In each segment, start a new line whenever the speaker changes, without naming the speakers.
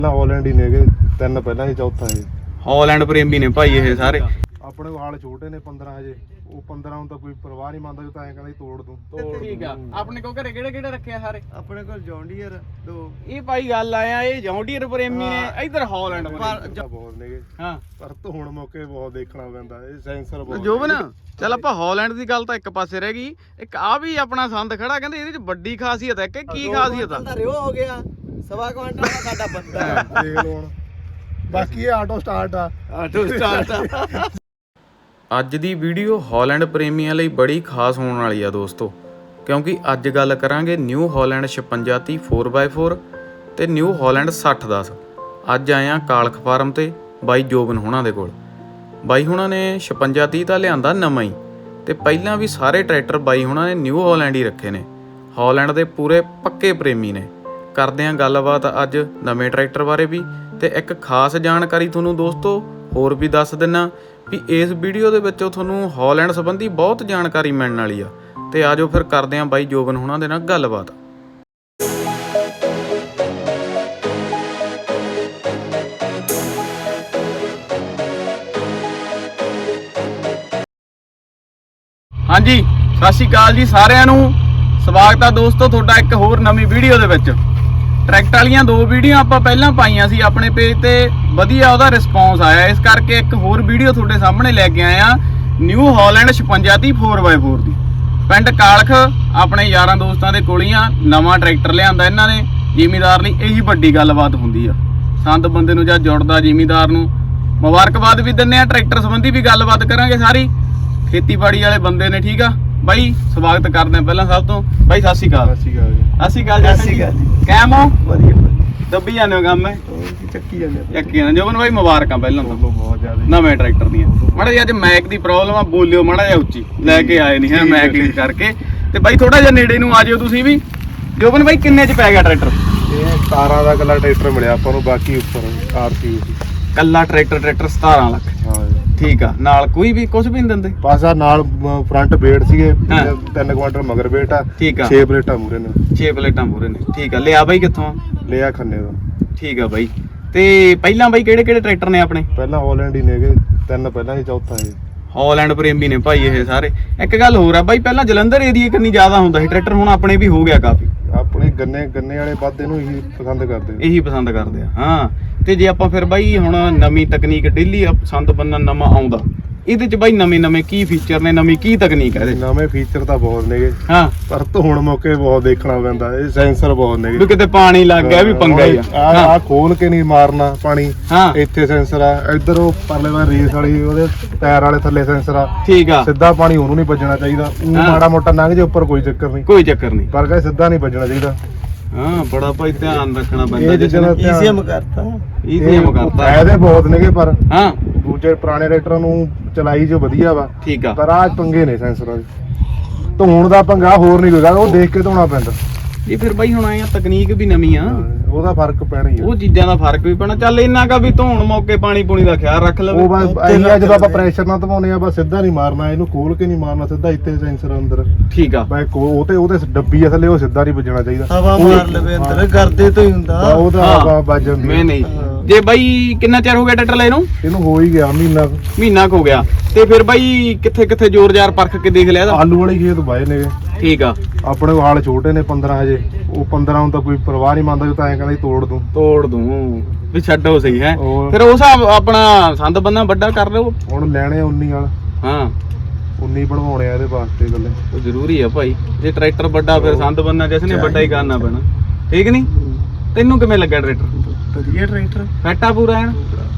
Holland ही ने तीन पहला ही चौथा है
हॉलैंड प्रेमी ने भाई ये सारे
अपने हाल छोटे ने 15 हजे ਉਹ 15 ਨੂੰ ਤਾਂ ਕੋਈ ਪਰਵਾਹ ਨਹੀਂ ਮੰਨਦਾ ਜੋ ਤਾਂ ਐਂ ਕਹਿੰਦਾ ਤੋੜ ਦੂੰ
ਠੀਕ ਆ ਆਪਣੇ ਕੋ ਘਰੇ ਕਿਹੜੇ ਕਿਹੜੇ ਰੱਖਿਆ ਸਾਰੇ
ਆਪਣੇ ਕੋਲ ਜੌਂਡੀਅਰ ਦੋ
ਇਹ ਭਾਈ ਗੱਲ ਆਇਆ ਇਹ ਜੌਂਡੀਅਰ ਪ੍ਰੇਮੀ ਨੇ ਇਧਰ ਹੌਲੈਂਡ
ਬਹੁਤ ਨੇਗੇ
ਹਾਂ
ਪਰ ਧੋਣ ਮੌਕੇ ਬਹੁਤ ਦੇਖਣਾ ਪੈਂਦਾ ਇਹ ਸੈਂਸਰ ਬਹੁਤ
ਜੋਬਨ ਚੱਲ ਆਪਾਂ ਹੌਲੈਂਡ ਦੀ ਗੱਲ ਤਾਂ ਇੱਕ ਪਾਸੇ ਰਹਿ ਗਈ ਇੱਕ ਆ ਵੀ ਆਪਣਾ ਸੰਦ ਖੜਾ ਕਹਿੰਦੇ ਇਹਦੇ ਚ ਵੱਡੀ ਖਾਸੀਅਤ ਹੈ ਕਿ ਕੀ ਖਾਸੀਅਤ ਆ
ਰਿਓ ਹੋ ਗਿਆ ਸਵਾ ਕੁਆਂਟਲ ਦਾ ਸਾਡਾ ਬੰਦਾ
ਦੇਖ ਲਓ ਹੁਣ ਬਾਕੀ ਇਹ ਆਟੋ ਸਟਾਰਟ ਆ
ਅੱਜ ਦੀ ਵੀਡੀਓ ਹੌਲੈਂਡ ਪ੍ਰੇਮੀਆਂ ਲਈ ਬੜੀ ਖਾਸ ਹੋਣ ਵਾਲੀ ਆ ਦੋਸਤੋ ਕਿਉਂਕਿ ਅੱਜ ਗੱਲ ਕਰਾਂਗੇ ਨਿਊ ਹੌਲੈਂਡ 5630 4x4 ਤੇ ਨਿਊ ਹੌਲੈਂਡ 6010 ਅੱਜ ਆਏ ਆ ਕਾਲਖ ਫਾਰਮ ਤੇ ਬਾਈ ਜੋਬਨ ਹੋਣਾ ਦੇ ਕੋਲ ਬਾਈ ਹੁਣਾਂ ਨੇ 5630 ਤਾਂ ਲਿਆਂਦਾ ਨਵਾਂ ਹੀ ਤੇ ਪਹਿਲਾਂ ਵੀ ਸਾਰੇ ਟਰੈਕਟਰ ਬਾਈ ਹੁਣਾਂ ਨੇ ਨਿਊ ਹੌਲੈਂਡ ਹੀ ਰੱਖੇ ਨੇ ਹੌਲੈਂਡ ਦੇ ਪੂਰੇ ਪੱਕੇ ਪ੍ਰੇਮੀ ਨੇ ਕਰਦੇ ਆਂ ਗੱਲਬਾਤ ਅੱਜ ਨਵੇਂ ਟਰੈਕਟਰ ਬਾਰੇ ਵੀ ਤੇ ਇੱਕ ਖਾਸ ਜਾਣਕਾਰੀ ਤੁਹਾਨੂੰ ਦੋਸਤੋ ਹੋਰ ਵੀ ਦੱਸ ਦਿੰਨਾ ਵੀ ਇਸ ਵੀਡੀਓ ਦੇ ਵਿੱਚੋਂ ਤੁਹਾਨੂੰ ਹੌਲੈਂਡ ਸੰਬੰਧੀ ਬਹੁਤ ਜਾਣਕਾਰੀ ਮਿਲਣ ਵਾਲੀ ਆ ਤੇ ਆਜੋ ਫਿਰ ਕਰਦੇ ਆਂ ਬਾਈ ਜੋਬਨ ਹੁਣਾਂ ਦੇ ਨਾਲ ਗੱਲਬਾਤ ਹਾਂਜੀ ਸਤਿ ਸ਼੍ਰੀ ਅਕਾਲ ਜੀ ਸਾਰਿਆਂ ਨੂੰ ਸਵਾਗਤ ਆ ਦੋਸਤੋ ਤੁਹਾਡਾ ਇੱਕ ਹੋਰ ਨਵੀਂ ਵੀਡੀਓ ਦੇ ਵਿੱਚ ਟਰੈਕਟਰ ਵਾਲੀਆਂ ਦੋ ਵੀਡੀਓ ਆਪਾਂ ਪਹਿਲਾਂ ਪਾਈਆਂ ਸੀ ਆਪਣੇ ਪੇਜ ਤੇ ਵਧੀਆ ਉਹਦਾ ਰਿਸਪੌਂਸ ਆਇਆ ਇਸ ਕਰਕੇ ਇੱਕ ਹੋਰ ਵੀਡੀਓ ਤੁਹਾਡੇ ਸਾਹਮਣੇ ਲੈ ਕੇ ਆਏ ਆ ਨਿਊ ਹੌਲੈਂਡ 5630 4x4 ਦੀ ਪਿੰਡ ਕਾਲਖ ਆਪਣੇ ਯਾਰਾਂ ਦੋਸਤਾਂ ਦੇ ਕੋਲ ਹੀ ਆ ਨਵਾਂ ਟਰੈਕਟਰ ਲਿਆਂਦਾ ਇਹਨਾਂ ਨੇ ਜ਼ਿਮੀਦਾਰ ਲਈ ਇਹੀ ਵੱਡੀ ਗੱਲਬਾਤ ਹੁੰਦੀ ਆ ਸੰਦ ਬੰਦੇ ਨੂੰ ਜਦ ਜੁੜਦਾ ਜ਼ਿਮੀਦਾਰ ਨੂੰ ਮੁਬਾਰਕਬਾਦ ਵੀ ਦਿੰਨੇ ਆ ਟਰੈਕਟਰ ਸੰਬੰਧੀ ਵੀ ਗੱਲਬਾਤ ਕਰਾਂਗੇ ਸਾਰੀ ਖੇਤੀਬਾੜੀ ਵਾਲੇ ਬੰਦੇ ਨੇ ਠੀਕ ਆ ਬਾਈ ਸਵਾਗਤ ਕਰਦੇ ਆ ਪਹਿਲਾਂ ਸਭ ਤੋਂ ਬਾਈ ਸਤਿ ਸ਼੍ਰੀ ਅਕਾਲ
ਸਤਿ ਸ਼੍ਰੀ ਅਕਾਲ
ਕੈਮ ਹੋ
ਵਧੀਆ
ਦੱਬੀ ਜਾਂਦੇ ਹੋ ਕੰਮ ਹੈ
ਚੱਕੀ ਜਾਂਦੇ
ਚੱਕੀ ਜਾਂਦੇ ਜੋਬਨ ਬਾਈ ਮੁਬਾਰਕਾਂ ਪਹਿਲਾਂ ਤਾਂ
ਬਹੁਤ ਜ਼ਿਆਦਾ
ਨਵੇਂ ਟਰੈਕਟਰ ਦੀਆਂ ਮਾੜਾ ਜਿਹਾ ਅੱਜ ਮੈਕ ਦੀ ਪ੍ਰੋਬਲਮ ਆ ਬੋਲਿਓ ਮਾੜਾ ਜਿਹਾ ਉੱਚੀ ਲੈ ਕੇ ਆਏ ਨਹੀਂ ਹੈ ਮੈਕ ਲੀਕ ਕਰਕੇ ਤੇ ਬਾਈ ਥੋੜਾ ਜਿਹਾ ਨੇੜੇ ਨੂੰ ਆ ਜਿਓ ਤੁਸੀਂ ਵੀ ਜੋਬਨ ਬਾਈ ਕਿੰਨੇ ਚ ਪੈ ਗਿਆ ਟਰੈਕਟਰ
ਇਹ 17 ਦਾ ਕੱਲਾ ਟਰੈਕਟਰ ਮਿਲਿਆ ਆਪਾਂ ਨੂੰ ਬਾਕੀ ਉੱਪਰ ਆਰਸੀ
ਕੱਲਾ ਟਰੈਕਟਰ 17 ਲੱਖ
ਹਾਂ
ਠੀਕ ਆ ਨਾਲ ਕੋਈ ਵੀ ਕੁਝ ਵੀ ਨਹੀਂ ਦਿੰਦੇ
ਬਸ ਆ ਨਾਲ ਫਰੰਟ ਬੇੜ ਸੀਗੇ
ਹਾਂ।
3 ਕੁਆਂਟਲ ਮਗਰ ਬੇਟ ਆ
ਠੀਕ ਆ
6 ਪਲੇਟਾਂ ਮੂਰੇ ਨੇ
6 ਪਲੇਟਾਂ ਮੂਰੇ ਨੇ ਠੀਕ ਆ ਲਿਆ ਬਾਈ ਕਿੱਥੋਂ
ਲਿਆ ਖੰਨੇ ਦਾ
ਠੀਕ ਆ ਬਾਈ ਤੇ ਪਹਿਲਾਂ ਬਾਈ ਕਿਹੜੇ ਕਿਹੜੇ ਟਰੈਕਟਰ ਨੇ ਆਪਣੇ
ਪਹਿਲਾਂ ਹੌਲੈਂਡ ਹੀ ਨੇਗੇ ਤਿੰਨ ਪਹਿਲਾਂ ਹੀ ਚੌਥਾ ਹੈ
ਹੌਲੈਂਡ ਪ੍ਰੇਮੀ ਨੇ ਭਾਈ ਇਹ ਸਾਰੇ ਇੱਕ ਗੱਲ ਹੋਰ ਆ ਬਾਈ ਪਹਿਲਾਂ ਜਲੰਧਰ ਏਰੀਆ ਕਿੰਨੀ ਜ਼ਿਆਦਾ ਹੁੰਦਾ ਸੀ ਟਰੈਕਟਰ ਹੁਣ ਆਪਣੇ ਵੀ ਹੋ ਗਿਆ ਕਾਫੀ
ਆਪਣੇ ਗੰਨੇ ਵਾਲੇ ਵੱਧ ਇਹਨੂੰ ਹੀ ਪਸੰਦ ਕਰਦੇ
ਇਹੀ ਪਸੰਦ ਕਰਦੇ ਆ ਹਾਂ ਤੇ ਜੇ ਆਪਾਂ ਫਿਰ ਬਾਈ ਹੁਣ ਨਵੀਂ ਤਕਨੀਕ ਡੇਲੀ ਸੰਦ ਬੰਨਾ ਨਵਾਂ ਆਉਂਦਾ ਇਹਦੇ ਚ ਬਾਈ ਨਵੇਂ ਕੀ ਫੀਚਰ ਨੇ ਨਵੀਂ ਕੀ ਤਕਨੀਕ ਹੈ ਇਹਦੇ
ਨਵੇਂ ਫੀਚਰ ਤਾਂ ਬਹੁਤ ਨੇਗੇ
ਹਾਂ
ਪਰ ਧੋਣ ਮੌਕੇ ਬਹੁਤ ਦੇਖਣਾ ਪੈਂਦਾ ਇਹ ਸੈਂਸਰ ਬਹੁਤ ਨੇਗੇ
ਵੀ ਕਿਤੇ ਪਾਣੀ ਲੱਗ ਗਿਆ ਵੀ ਪੰਗਾ ਹੀ ਆ
ਆ ਖੋਲ ਕੇ ਨਹੀਂ ਮਾਰਨਾ ਪਾਣੀ
ਹਾਂ
ਇੱਥੇ ਸੈਂਸਰ ਆ ਇੱਧਰ ਉਹ ਪਰਲੇ ਵਾਰ ਰੇਸ ਵਾਲੀ ਉਹਦੇ ਟਾਇਰ ਵਾਲੇ ਥੱਲੇ ਸੈਂਸਰ ਆ
ਠੀਕ ਆ
ਸਿੱਧਾ ਪਾਣੀ ਉਹਨੂੰ ਨਹੀਂ ਵੱਜਣਾ ਚਾਹੀਦਾ ਉਹ ਮਾੜਾ ਮੋਟਾ ਲੰਘ ਜੇ ਉੱਪਰ ਕੋਈ ਚੱਕਰ ਨਹੀਂ
ਕੋਈ ਚੱਕਰ ਨਹੀਂ
ਪਰ ਕਹੇ ਸਿੱਧਾ ਨਹੀਂ ਵੱਜਣਾ ਚਾਹੀਦਾ
ਹਾਂ ਬੜਾ ਭਾਈ ਧਿਆਨ ਰੱਖਣਾ
ਇਹ
ਪੈਂਦਾ
ਜਿਹੜਾ
ਈਸੀਐਮ ਕਰਤਾ
ਈਜ਼ੀਐਮ ਕਰਤਾ
ਫਾਇਦੇ ਬਹੁਤ ਨੇਗੇ ਪਰ
ਹਾਂ
ਦੂਜੇ ਪੁਰਾਣੇ ਟਰੈਕਟਰਾਂ ਨੂੰ ਚਲਾਈ ਜੋ ਵਧੀਆ ਵਾ
ਠੀਕ ਆ
ਪਰ ਆ ਪੰਗੇ ਨੇ ਸੈਂਸਰਾਂ ਦੇ ਧੋਣ ਦਾ ਪੰਗਾ ਹੋਰ ਨਹੀਂ ਕੋਈ ਗੱਲ ਉਹ ਦੇਖ ਕੇ ਧੋਣਾ ਪੈਂਦਾ
ਇਹ ਫਿਰ ਬਾਈ ਹੁਣ ਆਇਆ ਤਕਨੀਕ ਵੀ ਨਵੀਂ ਆ
ਉਹਦਾ ਫਰਕ ਪੈਣਾ ਹੀ ਆ
ਉਹ ਚੀਜ਼ਾਂ ਦਾ ਫਰਕ ਵੀ ਪੈਣਾ ਚੱਲ ਇੰਨਾ ਕਾ ਵੀ ਧੋਣ ਮੌਕੇ ਪਾਣੀ ਪੂਣੀ ਦਾ ਖਿਆਲ ਰੱਖ ਲਵੇ
ਉਹ ਬਸ ਆਈਆ ਜਦੋਂ ਆਪਾਂ ਪ੍ਰੈਸ਼ਰ ਨਾਲ ਧਵਾਉਨੇ ਆ ਬਸ ਸਿੱਧਾ ਨਹੀਂ ਮਾਰਨਾ ਇਹਨੂੰ ਖੋਲ ਕੇ ਨਹੀਂ ਮਾਰਨਾ ਸਿੱਧਾ ਇੱਥੇ ਸੈਂਸਰ ਅੰਦਰ
ਠੀਕ ਆ
ਬਈ ਉਹਦੇ ਡੱਬੀ ਆ ਥੱਲੇ ਉਹ ਸਿੱਧਾ ਨਹੀਂ ਵੱਜਣਾ ਚਾਹੀਦਾ
ਹਵਾ ਮਾਰ ਲਵੇ ਅੰਦਰ ਕਰਦੇ ਤੋਂ ਹੀ ਹੁੰਦਾ
ਉਹ ਤਾਂ ਆਪਾਂ ਵੱਜ ਜਾਂਦੀ
ਮੈਂ ਨਹੀਂ ਜੇ ਬਾਈ ਕਿੰਨਾ ਚਿਰ ਹੋ ਗਿਆ ਟਰੈਕਟਰ ਲੈ ਨੂੰ
ਇਹਨੂੰ ਹੋ ਹੀ ਗਿਆ ਮਹੀਨਾ
ਕੁ ਹੋ ਗਿਆ ਤੇ ਫਿਰ ਬਾਈ ਕਿੱਥੇ ਜ਼ੋਰ ਜ਼ਾਰ ਪਰਖ ਕੇ ਦੇਖ ਲਿਆ ਇਹਦਾ
ਆਲੂ ਵਾਲੀ ਖੇਤ ਵਾਏ ਨੇਗੇ
ਠੀਕ ਆ
ਆਪਣੇ ਕੋਲ ਹਾਲ ਛੋਟੇ ਨੇ 15 ਹਜੇ ਉਹ 15 ਨੂੰ ਤਾਂ ਕੋਈ ਪਰਵਾਹ ਨਹੀਂ ਮੰਨਦਾ ਜੋ ਤਾਂ ਐਂ ਕਹਿੰਦਾ ਤੋੜ ਦੂੰ
ਵੀ ਛੱਡੋ ਸਹੀ ਹੈ
ਹੋਰ।
ਫਿਰ ਉਹ ਹਿਸਾਬ ਆਪਣਾ ਸੰਦ ਬੰਨਾ ਵੱਡਾ ਕਰ ਲਿਓ
ਹੁਣ ਲੈਣੇ 19 ਵਾਲ
ਹਾਂ
19 ਬਣਵਾਉਣੇ ਆ ਇਹਦੇ ਵਾਸਤੇ ਗੱਲੇ
ਉਹ ਜ਼ਰੂਰੀ ਆ ਭਾਈ ਜੇ ਟਰੈਕਟਰ ਵੱਡਾ ਫਿਰ ਸੰਦ ਬੰਨਾ ਜਿਸ ਨੇ ਵੱਡਾ ਹੀ ਕਰਨਾ ਪੈਣਾ ਠੀਕ ਨਹੀਂ ਤੈਨੂੰ ਕਿਵੇਂ ਲੱਗਾ ਟਰੈਕਟਰ
ਵਧੀਆ ਟਰੈਕਟਰ
ਫੈਟਾ ਪੂਰਾ ਹੈ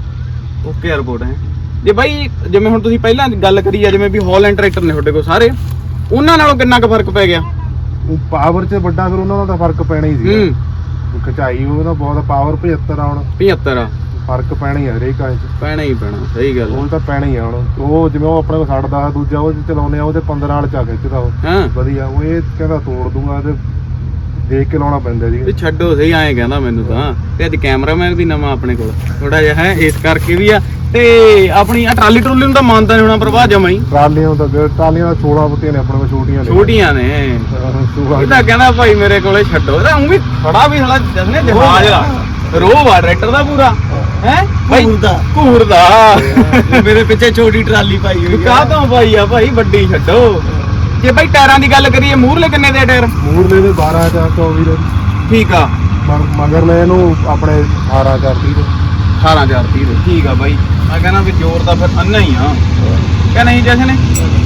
ਓਕੇ ਰਿਪੋਰਟ ਹੈ ਜੇ ਬਾਈ ਜਿਵੇਂ ਹੁਣ ਤੁਸੀਂ ਪਹਿਲਾਂ ਗੱਲ ਕਰੀ ਆ ਜਿਵੇਂ ਵੀ ਹੌਲੈਂਡ ਟਰੈਕਟਰ ਨੇ ਤੁਹਾਡੇ ਕੋਲ ਸਾਰੇ ਉਹਨਾਂ ਨਾਲੋਂ ਕਿੰਨਾ ਕੁ ਫਰਕ ਪੈ ਗਿਆ
ਉਹ ਪਾਵਰ 'ਚ ਵੱਡਾ ਫਿਰ ਉਹਨਾਂ ਦਾ ਤਾਂ ਫਰਕ ਪੈਣਾ ਹੀ ਸੀ ਖਚਾਈ ਉਹਦਾ ਬਹੁਤ ਪਾਵਰ 75 ਆ ਹੁਣ
75 ਆ
ਫਰਕ ਪੈਣਾ ਹੀ ਆ ਹਰੇਕ ਕਾਜ 'ਚ
ਪੈਣਾ ਹੀ ਪੈਣਾ ਸਹੀ ਗੱਲ
ਉਹ ਤਾਂ ਪੈਣਾ ਹੀ ਆ ਹੁਣ ਉਹ ਜਿਵੇਂ ਉਹ ਆਪਣੇ ਕੋਲ ਛੱਡਦਾ ਦੂਜਾ ਉਹ ਚਲਾਉਂਦੇ ਆ ਉਹਦੇ 15 ਵਾਲ ਚਾ ਖਿੱਚਦਾ ਉਹ
ਹਾਂ
ਵਧੀਆ ਉਹ ਇਹ ਕਹਿੰਦਾ ਤੋੜ ਦੂੰਗਾ ਤੇ ਦੇਖ ਕੇ ਲਾਉਣਾ ਪੈਂਦਾ ਜੀ
ਵੀ ਛੱਡੋ ਸਹੀ ਐਂ ਕਹਿੰਦਾ ਮੈਨੂੰ ਤਾਂ ਤੇ ਅੱਜ ਕੈਮਰਾਮੈਨ ਵੀ ਨਵਾਂ ਆਪਣੇ ਕੋਲ ਥੋੜਾ ਜਿਹਾ ਹੈ ਇਸ ਕਰਕੇ ਵੀ ਆ ਤੇ ਆਪਣੀ ਆ ਟਰਾਲੀ ਟਰੂਲੀ ਨੂੰ ਤਾਂ ਮੰਨਦਾ ਨਹੀਂ ਹੋਣਾ ਪ੍ਰਭਾਵ ਜਮਾ ਹੀ
ਟਰਾਲੀਆਂ ਦਾ 16 ਬੁੱਤੀਆਂ ਨੇ ਆਪਣੇ ਕੋਲ
ਛੋਟੀਆਂ ਨੇ ਇਹ ਤਾਂ ਕਹਿੰਦਾ ਭਾਈ ਮੇਰੇ ਕੋਲੇ ਛੱਡੋ ਇਹਦਾ ਉਹ ਵੀ ਖੜਾ ਵੀ ਸਾਲਾ ਜਸਨੇ ਜਹਾਜ਼ ਲਾ ਰੋਹ ਆ ਟਰੈਕਟਰ ਦਾ ਪੂਰਾ ਹੈ ਬਾਈ
ਘੂਰ ਦਾ
ਘੂਰਦਾ
ਮੇਰੇ ਪਿੱਛੇ ਛੋਟੀ ਟਰਾਲੀ ਪਾਈ ਹੋਈ
ਕਾਹ ਤੋਂ ਪਾਈ ਆ ਭਾਈ ਵੱਡੀ ਛੱਡੋ ਜੇ ਬਾਈ ਟਾਇਰਾਂ ਦੀ ਗੱਲ ਕਰੀਏ ਮੂਹਰਲੇ ਕਿੰਨੇ ਦੇ ਟਾਇਰ
ਮੂਰਲੇ ਦੇ 12 ਜਾਂ 24 ਦੇ
ਠੀਕ ਆ
ਮਗਰ ਲੈ ਇਹਨੂੰ ਆਪਣੇ 18 ਕਰਤੀ ਦੇ
18030 ਦੇ ਠੀਕ ਆ ਬਾਈ ਮੈਂ ਕਹਿੰਦਾ ਵੀ ਜ਼ੋਰ ਤਾਂ ਫਿਰ ਅੰਨਾ ਹੀ ਆ ਕਿ ਨਹੀਂ ਜਸ਼ਨ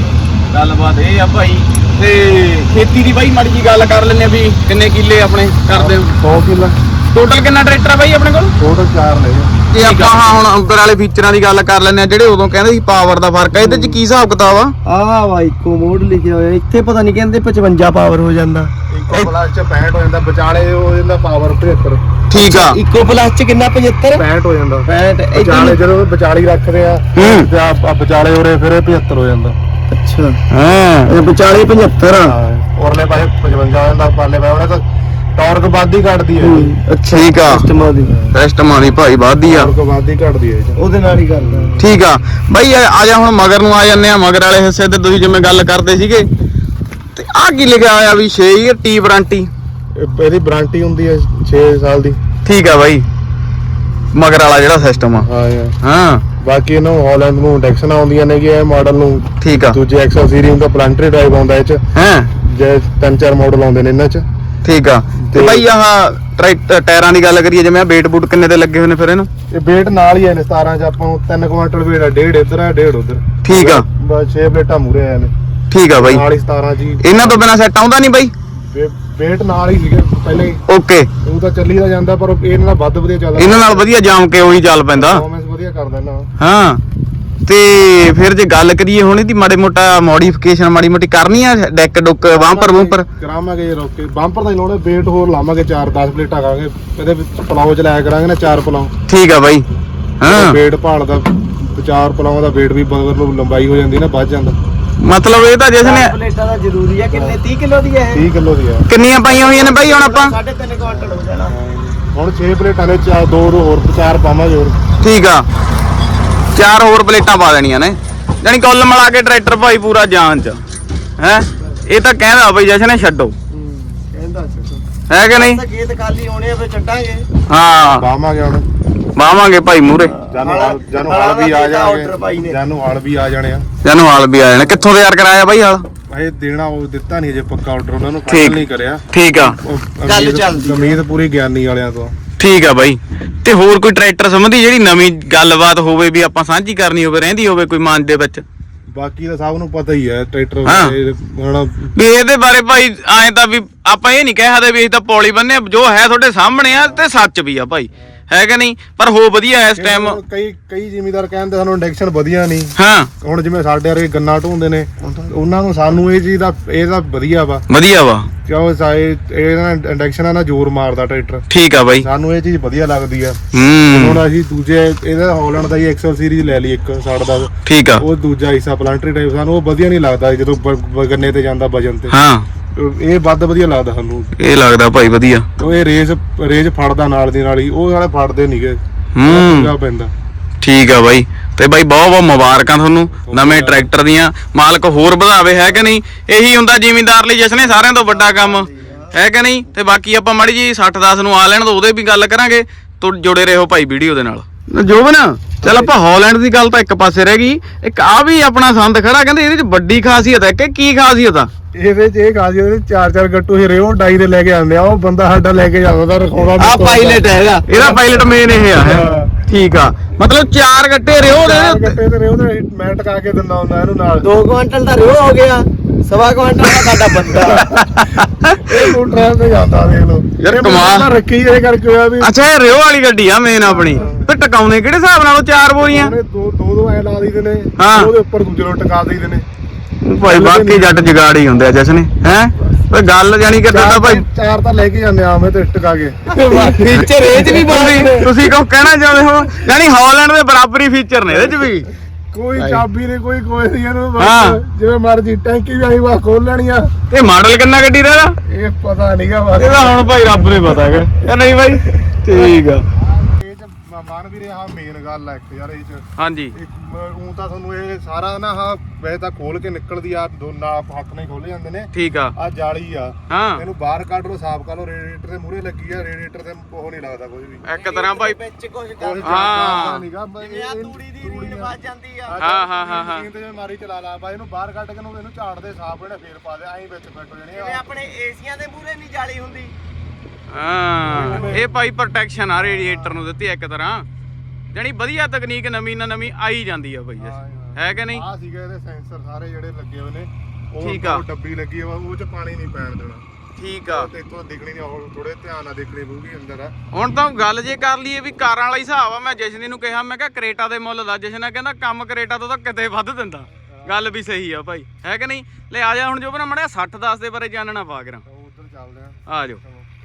ਗੱਲਬਾਤ ਇਹ ਆ ਭਾਈ ਤੇ ਖੇਤੀ ਦੀ ਬਾਈ ਮਾੜੀ ਜੀ ਗੱਲ ਕਰ ਲੈਂਦੇ ਆ ਵੀ ਕਿੰਨੇ ਕਿੱਲੇ ਆਪਣੇ ਕਰਦੇ ਹੋ
100 ਕਿੱਲਾ
ਟੋਟਲ ਕਿੰਨਾ ਟਰੈਕਟਰ ਆ ਬਾਈ ਆਪਣੇ ਕੋਲ
ਟੋਟਲ 4 ਲੈ ਗਏ
ਜੇ ਆਪਾਂ ਹੁਣ ਅੰਦਰ ਵਾਲੇ ਫੀਚਰਾਂ ਦੀ ਗੱਲ ਕਰ ਲੈਂਦੇ ਆ ਜਿਹੜੇ ਉਦੋਂ ਕਹਿੰਦੇ ਸੀ ਪਾਵਰ ਦਾ ਫਰਕ ਆ ਇਹਦੇ ਚ ਕੀ ਹਿਸਾਬ ਕਿਤਾਬ ਆ
ਆਹ ਵਾ ਇੱਕੋ ਮੋਡ ਲਿਖਿਆ ਹੋਇਆ ਇੱਥੇ ਪਤਾ ਨਹੀਂ ਕਹਿੰਦੇ 55 ਪਾਵਰ ਹੋ ਜਾਂਦਾ
ਇੱਕੋ ਪਲੱਸ ਚ 65 ਹੋ ਜਾਂਦਾ ਵਿਚਾਲੇ ਹੋ ਜਾਂਦਾ ਪਾਵਰ 75
ਠੀਕ ਆ
ਇੱਕੋ ਪਲੱਸ ਚ ਕਿੰਨਾ 75
65 ਹੋ ਜਾਂਦਾ
65
ਵਿਚਾਲੇ ਜਦੋਂ ਵਿਚਾਲੀ ਰੱਖਦੇ ਆ ਤੇ ਆ ਵਿਚਾਲੇ ਉਰੇ ਫਿਰ ਇਹ 75 ਹੋ ਜਾਂਦਾ
ਅੱਛਾ
ਹਾਂ
ਇਹ ਵਿਚਾਲੇ 75 ਆ
ਔਰਲੇ ਪਾਸੇ 55 ਹੋ ਜਾਂਦਾ ਪਾਲੇ ਪਾਸੇ ਉਹਨੇ ਤਾਂ ਟਾਰਕ ਵੱਧਦੀ ਘਟਦੀ ਹੈ
ਅੱਛਾ
ਠੀਕ ਆ
ਕਸਟਮਰ ਦੀ
ਕਸਟਮਾਂ ਦੀ ਭਾਈ ਵੱਧਦੀ ਆ
ਟਾਰਕ ਵੱਧਦੀ ਘਟਦੀ ਹੈ
ਉਹਦੇ ਨਾਲ ਹੀ ਕਰਦਾ
ਠੀਕ ਆ ਬਾਈ ਆ ਜਾ ਹੁਣ ਮਗਰ ਨੂੰ ਆ ਜਾਂਦੇ ਆ ਮਗਰ ਵਾਲੇ ਹਿੱਸੇ ਤੇ ਤੁਸੀਂ ਜਿਵੇਂ ਗੱਲ ਕਰਦੇ ਸੀਗੇ ਤੇ ਆ ਕੀ ਲਿਖਿਆ ਹੋਇਆ ਵੀ 6 ਈਅਰ ਟੀ ਵਾਰੰਟੀ
ਇਹਦੀ ਵਾਰੰਟੀ ਹੁੰਦੀ ਹੈ 6 ਸਾਲ ਦੀ
ਠੀਕ ਆ ਬਾਈ ਮਗਰ ਵਾਲਾ ਜਿਹੜਾ ਸਿਸਟਮ ਆ
ਹਾਂ ਯਾਰ
ਹਾਂ
ਬਾਕੀ ਇਹਨੂੰ ਹਾਲੈਂਡ ਨੂੰ ਇੰਡੈਕਸ਼ਨ ਆਉਂਦੀਆਂ ਨੇ ਕਿ ਇਹ ਮਾਡਲ ਨੂੰ
ਠੀਕ ਆ
ਦੂਜੇ ਐਕਸਲ ਸੀਰੀਜ਼ ਦਾ ਪਲੰਟਰੀ ਡਰਾਈਵ ਆਉਂਦਾ ਇਹ ਚ
ਹਾਂ
ਜੇ 3-4 ਮਾਡਲ ਆਉਂਦੇ ਨੇ ਇਹਨਾਂ ਚ
ਠੀਕ ਆ ਤੇ ਬਾਈ ਆਹ ਟਾਇਰਾਂ ਦੀ ਗੱਲ ਕਰੀਏ ਜਿਵੇਂ ਵੇਟ ਬੂਟ ਕਿੰਨੇ ਦੇ ਲੱਗੇ ਹੋਏ ਨੇ ਫਿਰ ਇਹਨੂੰ
ਇਹ weight ਨਾਲ ਹੀ ਆਏ ਨੇ 17 ਚ ਆਪਾਂ ਨੂੰ 3 ਕੁਆਂਟਲ weight ਆ 1.5 ਇੱਧਰ ਆ 1.5 ਉੱਧਰ
ਠੀਕ ਆ
ਬਸ 6 ਪਲੇਟਾਂ ਮੂਰੇ ਆਏ ਨੇ
ਠੀਕ ਆ ਬਾਈ
ਨਾਲ ਹੀ 17 ਜੀ
ਇਹਨਾਂ ਤੋਂ ਬਿਨਾ ਸੈੱਟ ਆਉਂਦਾ ਨਹੀਂ ਬਾਈ
weight ਨਾਲ ਹੀ ਸੀਗੇ ਪਹਿਲਾਂ ਹੀ
ਓਕੇ
ਉਹ ਤਾਂ ਚੱਲੀ ਦਾ ਜਾਂਦਾ ਪਰ ਇਹਨਾਂ ਨਾਲ ਵੱਧ ਵਧੀਆ ਚੱਲਦਾ
ਇਹਨਾਂ ਨਾਲ ਵਧੀਆ ਜਾਮ ਕੇ ਉਹੀ ਚੱਲ ਪੈਂਦਾ
ਪਰਫਾਰਮੈਂਸ ਵਧੀਆ ਕਰਦਾ ਇਹਨਾਂ
ਹਾਂ ਤੇ ਫਿਰ ਜੇ ਗੱਲ ਕਰੀਏ ਹੁਣ ਇਹਦੀ ਮਾੜੇ ਮੋਟਾ ਮੋਡੀਫਿਕੇਸ਼ਨ ਮਾੜੀ ਮੋਟੀ ਕਰਨੀ ਆ ਡੈਕ ਡੁੱਕ ਵਾਂਪਰ ਵੂੰਪਰ
ਕਰਾਵਾਂਗੇ ਰੋਕੇ ਬੰਪਰ ਦਾ ਹੀ ਲਾਉਣੇ weight ਹੋਰ ਲਾਵਾਂਗੇ 4-10 ਪਲੇਟਾਂ ਕਰਾਂਗੇ ਇਹਦੇ ਵਿੱਚ ਪਲਾਓ ਚ ਲਾਇਆ ਕਰਾਂਗੇ ਨਾ 4 ਪਲਾਓ
ਠੀਕ ਆ ਬਾਈ ਹਾਂ
weight ਭਾਲਦਾ 4 ਪਲਾਓ ਦਾ weight ਵੀ ਬਗਰ ਨੂੰ ਲੰਬਾਈ ਹੋ ਜਾਂਦੀ ਨਾ ਵੱਧ ਜਾਂਦਾ
ਮਤਲਬ ਇਹ ਤਾਂ ਜਿਸ ਨੇ
ਪਲੇਟਾਂ ਦਾ ਜ਼ਰੂਰੀ ਆ ਕਿੰਨੇ 30 ਕਿਲੋ ਦੀ ਹੈ
30 ਕਿਲੋ ਦੀ ਆ
ਕਿੰਨੀਆਂ ਪਾਈਆਂ ਹੋਈਆਂ ਨੇ ਬਾਈ ਹੁਣ ਆਪਾਂ
3.5 ਕੁਆਂਟਲ ਹੋ ਜਾਣਾ
ਹੁਣ 6 ਪਲੇਟਾਂ ਦੇ 2 ਹੋਰ 4 ਪਾਵਾਂਗੇ ਹੋਰ
ਠੀਕ ਆ 4 ਹੋਰ ਪਲੇਟਾਂ ਪਾ ਦੇਣੀਆਂ ਨੇ ਜਾਨੀ ਕੁੱਲ ਮਿਲਾ ਕੇ ਟਰੈਕਟਰ ਭਾਈ ਪੂਰਾ ਜਾਨ ਚ ਹੈ ਇਹ ਤਾਂ ਕਹਿੰਦਾ ਬਈ ਜਸ਼ਨ ਨੇ ਛੱਡੋ
ਕਹਿੰਦਾ ਚੱਕੋ
ਹੈ ਕਿ ਨਹੀਂ
ਤਾਂ ਖੇਤ ਖਾਲੀ ਹੋਣੇ ਆ ਫੇ ਛੱਡਾਂਗੇ
ਹਾਂ
ਪਾਵਾਂਗੇ ਹੁਣ
ਵਾਵਾਂਗੇ ਭਾਈ ਮੂਰੇ
ਜਾਨੂੰ ਹਾਲ ਵੀ ਆ ਜਾਣਗੇ ਜਾਨੂੰ ਹਾਲ ਵੀ ਆ ਜਾਣੇ ਆ
ਜਾਨੂੰ ਹਾਲ ਵੀ ਆ ਜਾਣੇ ਕਿੱਥੋਂ ਤਿਆਰ ਕਰਾਇਆ ਬਾਈ ਹਾਲ
ਇਹ ਦੇਣਾ ਉਹ ਦਿੱਤਾ ਨਹੀਂ ਜੇ ਪੱਕਾ ਆਰਡਰ ਉਹਨਾਂ ਨੂੰ
ਠੀਕ।
ਫਾਈਨਲ ਨਹੀਂ ਕਰਿਆ
ਠੀਕ ਆ
ਗੱਲ ਚੱਲਦੀ
ਉਮੀਦ ਪੂਰੀ ਗਿਆਨੀ ਵਾਲਿਆਂ ਤੋਂ
ਠੀਕ ਆ ਬਾਈ ਤੇ ਹੋਰ ਕੋਈ ਟਰੈਕਟਰ ਸੰਬੰਧੀ ਜਿਹੜੀ ਨਵੀਂ ਗੱਲਬਾਤ ਹੋਵੇ ਵੀ ਆਪਾਂ ਸਾਂਝੀ ਕਰਨੀ ਹੋਵੇ ਰਹਿੰਦੀ ਹੋਵੇ ਕੋਈ ਮਨ ਦੇ ਵਿੱਚ
ਬਾਕੀ ਤਾਂ ਸਭ ਨੂੰ ਪਤਾ ਹੀ ਹੈ ਟਰੈਕਟਰ
ਹਾਂ।
ਹੁਣ
ਵੀ ਇਹਦੇ ਬਾਰੇ ਭਾਈ ਐਂ ਤਾਂ ਵੀ ਆਪਾਂ ਇਹ ਨਹੀਂ ਕਹਿ ਸਕਦੇ ਵੀ ਅਸੀਂ ਤਾਂ ਪੌਲੀ ਬੰਨੇ ਜੋ ਹੈ ਤੁਹਾਡੇ ਸਾਹਮਣੇ ਆ ਤੇ ਸੱਚ ਵੀ ਆ ਭਾਈ ਹੈ ਕਿ ਨਹੀਂ ਪਰ ਹੋ ਵਧੀਆ ਇਸ ਟਾਈਮ
ਕਈ ਜ਼ਿਮੀਦਾਰ ਕਹਿੰਦੇ ਸਾਨੂੰ ਇੰਡੈਕਸ਼ਨ ਵਧੀਆ ਨਹੀਂ
ਹਾਂ
ਹੁਣ ਜਿਵੇਂ ਸਾਡੇ ਵਰਗੇ ਗੰਨਾ ਢੋਂਦੇ ਨੇ ਉਹਨਾਂ ਨੂੰ ਸਾਨੂੰ ਇਹ ਚੀਜ਼ ਦਾ ਇਹ ਤਾਂ ਵਧੀਆ ਵਾ
ਵਧੀਆ ਵਾ
ਕਿਉਂ ਇਹ ਇੰਡੈਕਸ਼ਨ ਆ ਨਾ ਜ਼ੋਰ ਮਾਰਦਾ ਟਰੈਕਟਰ
ਠੀਕ ਆ ਬਾਈ
ਸਾਨੂੰ ਇਹ ਚੀਜ਼ ਵਧੀਆ ਲੱਗਦੀ ਆ
ਹੂੰ
ਹੁਣ ਅਸੀਂ ਦੂਜੇ ਇਹਦਾ ਹਾਲੈਂਡ ਦਾ ਹੀ ਐਕਸਲ ਸੀਰੀਜ਼ ਲੈ ਲਈ ਇੱਕ ਸਾਡਾ ਦਾ
ਠੀਕ ਆ
ਉਹ ਦੂਜਾ ਹਿੱਸਾ ਪਲਾਂਟਰੀ ਟਾਈਪ ਸਾਨੂੰ ਉਹ ਵਧੀਆ ਨਹੀਂ ਲੱਗਦਾ ਜਦੋਂ ਗੰਨੇ ਤੇ ਜਾਂਦਾ ਵਜਨ ਤੇ
ਹਾਂ
ਇਹ ਵੱਧ ਵਧੀਆ ਲੱਗਦਾ ਸਾਨੂੰ
ਇਹ ਲੱਗਦਾ ਭਾਈ ਵਧੀਆ
ਉਹ ਇਹ ਰੇਜ ਫੜਦਾ ਨਾਲ ਦੀ ਨਾਲ ਹੀ ਉਹ ਵਾਲੇ ਫੜਦੇ ਨਹੀਂਗੇ
ਹੂੰ
ਪੈਂਦਾ
ਠੀਕ ਆ ਬਾਈ ਤੇ ਬਾਈ ਬਹੁਤ ਬਹੁਤ ਮੁਬਾਰਕਾਂ ਤੁਹਾਨੂੰ ਨਵੇਂ ਟਰੈਕਟਰ ਦੀਆਂ ਮਾਲਕ ਹੋਰ ਵਧਾਵੇ ਹੈ ਕਿ ਨਹੀਂ ਇਹੀ ਹੁੰਦਾ ਜ਼ਿਮੀਂਦਾਰ ਲਈ ਜਿਸ ਨੇ ਸਾਰਿਆਂ ਤੋਂ ਵੱਡਾ ਕੰਮ ਹੈ ਕਿ ਨਹੀਂ ਤੇ ਬਾਕੀ ਆਪਾਂ ਮਾੜੀ ਜੀ 60-10 ਨੂੰ ਆ ਲੈਣ ਤਾਂ ਉਹਦੇ ਵੀ ਗੱਲ ਕਰਾਂਗੇ ਤੋ ਜੁੜੇ ਰਹੋ ਭਾਈ ਵੀਡੀਓ ਦੇ ਨਾਲ ਜੋਬਨ ਚੱਲ ਆਪਾਂ ਹਾਲੈਂਡ ਦੀ ਗੱਲ ਤਾਂ ਇੱਕ ਪਾਸੇ ਰਹਿ ਗਈ ਇੱਕ ਆ ਵੀ ਆਪਣਾ ਸੰਦ ਖੜਾ ਕਹਿੰਦੇ ਇਹਦੇ ਚ ਵੱਡੀ ਖਾਸੀਅਤ ਹੈ ਕਿ ਕੀ ਖਾਸੀਅਤ ਆ
ਇਹਦੇ ਚ ਇਹ ਖਾਸੀਅਤ ਇਹਦੇ 4-4 ਗੱਟੂ ਹੀ ਰਿਓ ਡਾਈ ਦੇ ਲੈ ਕੇ ਆਉਂਦੇ ਆ ਉਹ ਬੰਦਾ ਸਾਡਾ ਲੈ ਕੇ ਜਾਂਦਾ ਰਖਾਉਣਾ
ਆ ਪਾਇਲਟ ਹੈਗਾ
ਇਹਦਾ ਪਾਇਲਟ ਮੇਨ ਇਹ ਆ ਹੈਂ। ਠੀਕ ਆ ਮਤਲਬ 4 ਗੱਟੇ ਰਿਓ ਦੇ
ਗੱਟੇ ਤੇ ਰਿਓ ਤੇ ਮੈਂ ਟਕਾ ਕੇ ਦਿੰਦਾ ਹੁੰਦਾ ਇਹਨੂੰ ਨਾਲ
2 ਕੁਆਂਟਲ ਦਾ ਰਿਓ ਹੋ ਗਿਆ 1.5 ਕੁਆਂਟਲ ਦਾ ਸਾਡਾ ਬੰਦਾ
ਇਹ ਮੋਟਰਾਂ ਤੇ ਜਾਂਦਾ ਦੇਖ ਲਓ
ਯਾਰ
ਇਹ
ਕਮਾਲ।
ਬੰਦਾ ਰੱਖੀ ਇਹ ਕਰਕੇ ਹੋਇਆ ਵੀ
ਅੱਛਾ ਇਹ ਰਿਓ ਵਾਲੀ ਗੱਡੀ ਆ ਮੇਨ ਆਪਣੀ ਤੇ ਟਕਾਉਣੇ ਕਿਹੜੇ ਹਿਸਾਬ ਨਾਲ 4 ਬੋਰੀਆਂ
ਉਹਨੇ ਦੋ ਐ ਲਾ ਦਈਦੇ ਨੇ
ਹਾਂ।
ਉਹਦੇ ਉੱਪਰ ਦੂਜੇ ਨੂੰ ਟਕਾ ਦਈਦੇ ਨੇ
ਭਾਈ ਬਾਕੀ ਜੱਟ ਜਗਾੜ ਹੀ ਹੁੰਦੇ ਆ ਜਸਨੇ ਹੈ ਓਏ ਗੱਲ ਜਾਨੀ ਕਿ ਤੁਹਾਡਾ ਭਾਈ
ਚਾਰ ਤਾਂ ਲੈ ਕੇ ਜਾਂਦੇ ਆ ਮੈਂ ਤੇ ਟਕਾ ਕੇ
ਫੀਚਰ ਇਹ ਚ ਵੀ
ਤੁਸੀਂ ਕਹੋ ਕਹਿਣਾ ਚਾਹੁੰਦੇ ਹੋ ਯਾਨੀ ਹਾਲੈਂਡ ਦੇ ਬਰਾਬਰੀ ਫੀਚਰ ਨੇ ਇਹਦੇ ਚ ਵੀ
ਕੋਈ ਚਾਬੀ ਨਹੀਂ ਕੋਈ ਨਹੀਂ ਇਹਨੂੰ ਬਸ
ਹਾਂ।
ਜਿਵੇਂ ਮਰਜੀ ਟੈਂਕੀ ਵੀ ਆਈ ਵਾ ਖੋਲ ਲੈਣੀ ਆ
ਇਹ ਮਾਡਲ ਕਿੰਨਾ ਗੱਡੀ ਦਾ ਇਹਦਾ
ਇਹ ਪਤਾ ਨਹੀਂਗਾ ਬਸ
ਇਹਦਾ ਹੁਣ ਭਾਈ ਰੱਬ ਨੂੰ ਪਤਾ ਹੈਗਾ ਇਹ ਨਹੀਂ ਭਾਈ ਠੀਕ ਆ
ਮਨ ਵੀ ਰਿਹਾ ਮੇਨ ਗੱਲ ਆ ਇੱਕ ਯਾਰ ਇਹ ਚ
ਹਾਂਜੀ
ਉਹ ਤਾਂ ਤੁਹਾਨੂੰ ਇਹ ਸਾਰਾ ਨਾ ਆਹ ਵੈਸੇ ਤਾਂ ਖੋਲ ਕੇ ਨਿਕਲਦੀ ਆ ਦੋਨਾਂ ਹੱਥ ਨਾਲ ਖੋਲੇ ਜਾਂਦੇ ਨੇ
ਠੀਕ ਆ
ਆ ਜਾਲੀ ਆ
ਹਾਂ
ਇਹਨੂੰ ਬਾਹਰ ਕੱਢ ਲਓ ਸਾਫ਼ ਕਰ ਲਓ ਰੇਡੀਏਟਰ ਦੇ ਮੂਹਰੇ ਲੱਗੀ ਆ ਰੇਡੀਏਟਰ ਤੇ ਉਹ ਨਹੀਂ ਲੱਗਦਾ ਕੁਝ ਵੀ
ਇੱਕ ਤਰ੍ਹਾਂ ਭਾਈ
ਵਿੱਚ ਕੁਝ
ਕੁਛ
ਹਾਂ।
ਨੀਗਾ,
ਜਿਵੇਂ ਆ ਤੂੜੀ ਦੀ ਰੀੜ ਵੱਜ ਜਾਂਦੀ ਆ
ਹਾਂ।
ਮਸ਼ੀਨ ਤੇ ਜਿਵੇਂ ਮਾਰੀ ਚਲਾ ਲਾ ਬਾਈ ਇਹਨੂੰ ਬਾਹਰ ਕੱਢ ਕੇ ਇਹਨੂੰ ਝਾੜ ਦੇ ਸਾਫ਼ ਇਹਨੇ ਫੇਰ ਪਾ ਦੇ ਐਂ ਵਿੱਚ ਫਿੱਟ ਹੋ ਜਾਣੇ
ਜਿਵੇਂ
ਆ
ਆਪਣੇ ਏਸੀਆਂ ਦੇ ਮੂਹਰੇ ਨਹੀਂ ਜਾਲੀ ਹੁੰਦੀ
ਹਾਂ ਇਹ ਭਾਈ ਪ੍ਰੋਟੈਕਸ਼ਨ ਆ ਰੇਡੀਏਟਰ ਨੂੰ ਦਿੱਤੀ ਇੱਕ ਤਰ੍ਹਾਂ ਜਾਨੀ ਵਧੀਆ ਤਕਨੀਕ ਨਵੀਂ ਨਾ ਨਵੀਂ ਆਈ ਜਾਂਦੀ ਆ ਭਾਈ ਹੈ ਕਿ ਨਹੀਂ
ਆ ਸੀਗਾ ਇਹਦੇ ਸੈਂਸਰ ਸਾਰੇ ਜਿਹੜੇ ਲੱਗੇ ਹੋਏ ਨੇ
ਠੀਕ ਆ।
ਉਹ ਡੱਬੀ ਲੱਗੀ ਆ ਉਹ ਚ ਪਾਣੀ ਨਹੀਂ ਪੈਣ ਦੇਣਾ
ਠੀਕ ਆ
ਤੇ ਇੱਥੋਂ ਦਿਖਣੀ ਨਹੀਂ ਉਹ ਥੋੜੇ ਧਿਆਨ ਨਾਲ ਦੇਖਣੀ ਪਊਗੀ ਅੰਦਰ ਆ
ਹੁਣ ਤਾਂ ਗੱਲ ਜੇ ਕਰ ਲਈਏ ਵੀ ਕਾਰਾਂ ਵਾਲਾ ਹਿਸਾਬ ਆ ਮੈਂ ਜਸ਼ਨੀ ਨੂੰ ਕਿਹਾ ਮੈਂ ਕਿਹਾ ਕਰੇਟਾ ਦੇ ਮੁੱਲ ਦਾ ਜਸ਼ਨ ਕਹਿੰਦਾ ਕੰਮ ਕਰੇਟਾ ਤੋਂ ਤਾਂ ਕਿਤੇ ਵੱਧ ਦਿੰਦਾ ਗੱਲ ਵੀ ਸਹੀ ਆ ਭਾਈ ਹੈ ਕਿ ਨਹੀਂ ਲੈ ਆ ਜਾ ਹੁਣ ਜੋ ਬਣਾ ਮੜਿਆ 60 10 ਦੇ ਬਾਰੇ ਜਾਣਨਾ ਪਾ ਕੇ
ਉਧਰ ਚੱਲਦੇ
ਆ ਜਾਓ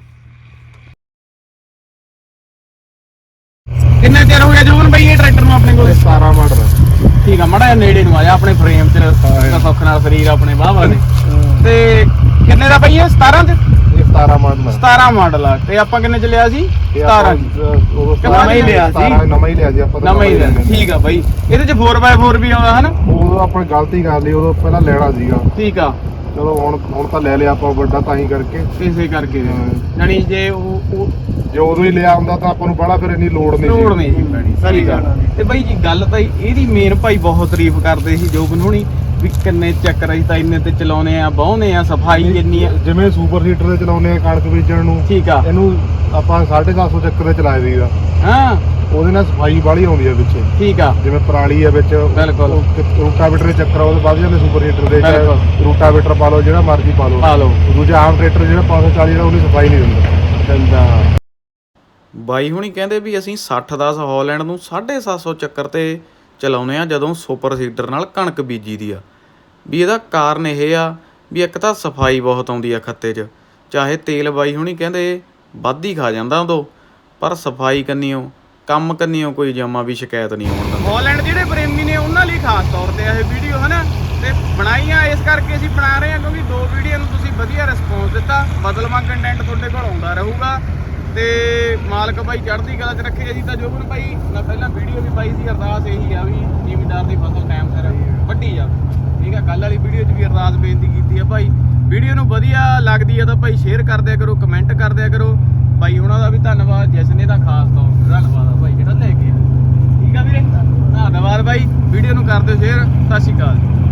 ਕਿੰਨਾ ਚਿਰ ਹੋ ਗਿਆ ਜੋਬਨ ਭਾਈ ਇਹ ਟਰੈਕਟਰ ਨੂੰ ਆਪਣੇ ਕੋਲ
17 ਮਾਡਲ
ਠੀਕ ਆ ਮੜਾ ਨੇੜੇ ਨੂੰ ਆ ਜਾ ਆਪਣੇ ਫਰੇਮ ਚ ਸੁੱਖ ਨਾਲ ਸਰੀਰ ਆਪਣੇ ਵਾਹਵਾ ਨੇ ਤੇ ਕਿੰਨੇ ਦਾ ਭਾਈ ਇਹ 17 ਤੇ
ਇਹ 17 ਮਾਡਲ
17 ਮਾਡਲ ਆ ਤੇ ਆਪਾਂ ਕਿੰਨੇ ਚ ਲਿਆ ਸੀ 17
ਨਵਾਂ ਹੀ ਲਿਆ ਸੀ ਆਪਾਂ
ਨਵਾਂ ਹੀ ਲਿਆ ਠੀਕ ਆ ਬਾਈ ਇਹਦੇ ਚ 4x4 ਵੀ ਆਉਂਦਾ ਹਨਾ
ਉਦੋਂ ਆਪਾਂ ਗਲਤੀ ਕਰ ਲਈ ਉਦੋਂ ਪਹਿਲਾਂ ਲੈਣਾ ਸੀਗਾ
ਠੀਕ ਆ
ਚਲੋ ਹੁਣ ਤਾਂ ਲੈ ਲਿਆ ਆਪਾਂ ਵੱਡਾ ਤਾਂ ਹੀ ਕਰਕੇ
ਇਸੇ ਕਰਕੇ ਜਾਨੀ ਜੇ ਉਹ
ਜੇ ਉਦੋਂ ਹੀ ਲਿਆ ਹੁੰਦਾ ਤਾਂ ਆਪਾਂ ਨੂੰ ਬੜਾ ਫਿਰ ਇੰਨੀ ਲੋੜ ਨਹੀਂ
ਲੋੜ ਨਹੀਂ ਸੀ ਪੈਣੀ ਸਹੀ ਗੱਲ ਤੇ ਬਾਈ ਜੀ ਗੱਲ ਤਾਂ ਇਹਦੀ ਮੇਨ ਭਾਈ ਬਹੁਤ ਤਾਰੀਫ ਕਰਦੇ ਸੀ ਜੋਬਨ ਹੋਣੀ ਵੀ ਕਿੰਨੇ ਚੱਕਰ ਅਸੀਂ ਤਾਂ ਇੰਨੇ ਤੇ ਚਲਾਉਨੇ ਆ ਬਹੁਨੇ ਆ ਸਫਾਈ ਕਿੰਨੀ ਆ
ਜਿਵੇਂ ਸੁਪਰ ਹੀਟਰ ਤੇ ਚਲਾਉਨੇ ਆ ਕਣਕ ਬੀਜਣ ਨੂੰ
ਠੀਕ ਆ
ਇਹਨੂੰ ਆਪਾਂ 750 ਚੱਕਰ ਤੇ ਚਲਾਏ ਦੀਦਾ
ਹਾਂ
ਉਹਦੇ ਨਾਲ ਸਫਾਈ ਬਾਹਲੀ ਆਉਂਦੀ ਆ ਵਿੱਚ
ਠੀਕ ਆ
ਜਿਵੇਂ ਪਰਾਲੀ ਆ ਵਿੱਚ
ਬਿਲਕੁਲ।
ਰੂਟਾਵੇਟਰ ਦੇ ਚੱਕਰ ਉਹਦੇ ਵੱਧ ਜਾਂਦੇ ਸੁਪਰ ਹੀਟਰ ਦੇ
ਬਿਲਕੁਲ।
ਰੂਟਾਵੇਟਰ ਪਾ ਲਓ ਜਿਹੜਾ ਮਰਜ਼ੀ ਪਾ ਲਓ ਦੂਜਾ ਆਮ ਟਰੈਕਟਰ ਜਿਹੜਾ 540 ਜਿਹੜਾ ਉਹਦੀ ਸਫਾਈ ਨਹੀਂ ਦਿੰਦਾ
ਬਾਈ ਹੁਣੀ ਕਹਿੰਦੇ ਵੀ ਅਸੀਂ 60-10 ਹਾਲੈਂਡ ਨੂੰ 750 ਚੱਕਰ ਤੇ ਚਲਾਉਨੇ ਆ ਜਦੋਂ ਸੁਪਰ ਸੀਡਰ ਨਾਲ ਕਣਕ ਬੀਜੀ ਦੀ ਆ ਵੀ ਇਹਦਾ ਕਾਰਨ ਇਹ ਆ ਵੀ ਇੱਕ ਤਾਂ ਸਫਾਈ ਬਹੁਤ ਆਉਂਦੀ ਆ ਖੱਤੇ 'ਚ ਚਾਹੇ ਤੇਲ ਬਾਈ ਹੁਣੀ ਕਹਿੰਦੇ ਵੱਧ ਹੀ ਖਾ ਜਾਂਦਾ ਉਦੋਂ ਪਰ ਸਫਾਈ ਕੰਨੀਓ ਕੰਮ ਕੰਨੀਓ ਕੋਈ ਜਮਾ ਵੀ ਸ਼ਿਕਾਇਤ ਨਹੀਂ ਆਉਂਦਾ ਹਾਲੈਂਡ ਜਿਹੜੇ ਪ੍ਰੇਮੀ ਨੇ ਉਹਨਾਂ ਲਈ ਖਾਸ ਤੌਰ ਤੇ ਇਹ ਵੀਡੀਓ ਹਨਾ ਤੇ ਬਣਾਈਆਂ ਇਸ ਕਰਕੇ ਅਸੀਂ ਬਣਾ ਰਹੇ ਹਾਂ ਕਿਉਂਕਿ 2 ਵੀਡੀਓ ਨੂੰ ਤੁਸੀਂ ਵਧੀਆ ਰਿਸਪੌਂਸ ਦਿੱਤਾ ਬਦਲਵਾਂ ਕੰਟੈਂਟ ਤੁਹਾਡੇ ਕੋਲ ਆਉਂਦਾ ਰਹੂਗਾ ਤੇ ਮਾਲਕ ਭਾਈ ਚੜ੍ਹਦੀ ਕਲਾ 'ਚ ਰੱਖੇ ਅਸੀਂ ਤਾਂ ਜੋਬਨ ਭਾਈ ਮੈਂ ਪਹਿਲਾਂ ਵੀਡੀਓ ਵੀ ਪਾਈ ਸੀ ਅਰਦਾਸ ਇਹੀ ਆ ਵੀ ਜ਼ਿਮੀਂਦਾਰ ਦੀ ਫਸਲ ਟਾਈਮ ਸਿਰ ਵੱਢੀ ਜਾਵੇ ਠੀਕ ਆ ਕੱਲ ਵਾਲੀ ਵੀਡੀਓ 'ਚ ਵੀ ਅਰਦਾਸ ਬੇਨਤੀ ਕੀਤੀ ਆ ਭਾਈ ਵੀਡੀਓ ਨੂੰ ਵਧੀਆ ਲੱਗਦੀ ਆ ਤਾਂ ਭਾਈ ਸ਼ੇਅਰ ਕਰ ਦਿਆ ਕਰੋ ਕਮੈਂਟ ਕਰ ਦਿਆ ਕਰੋ ਭਾਈ ਉਹਨਾਂ ਦਾ ਵੀ ਧੰਨਵਾਦ ਜਸਨੇ ਦਾ ਖਾਸ ਤੌਰ ਤੇ ਧੰਨਵਾਦ ਆ ਭਾਈ ਜਿਹੜਾ ਲੈ ਕੇ ਆ ਠੀਕ ਆ ਵੀਰੇ ਧੰਨਵਾਦ ਭਾਈ ਵੀਡੀਓ ਨੂੰ ਕਰ ਦਿਓ ਸ਼ੇਅਰ ਸਤਿ ਸ਼੍ਰੀ ਅਕਾਲ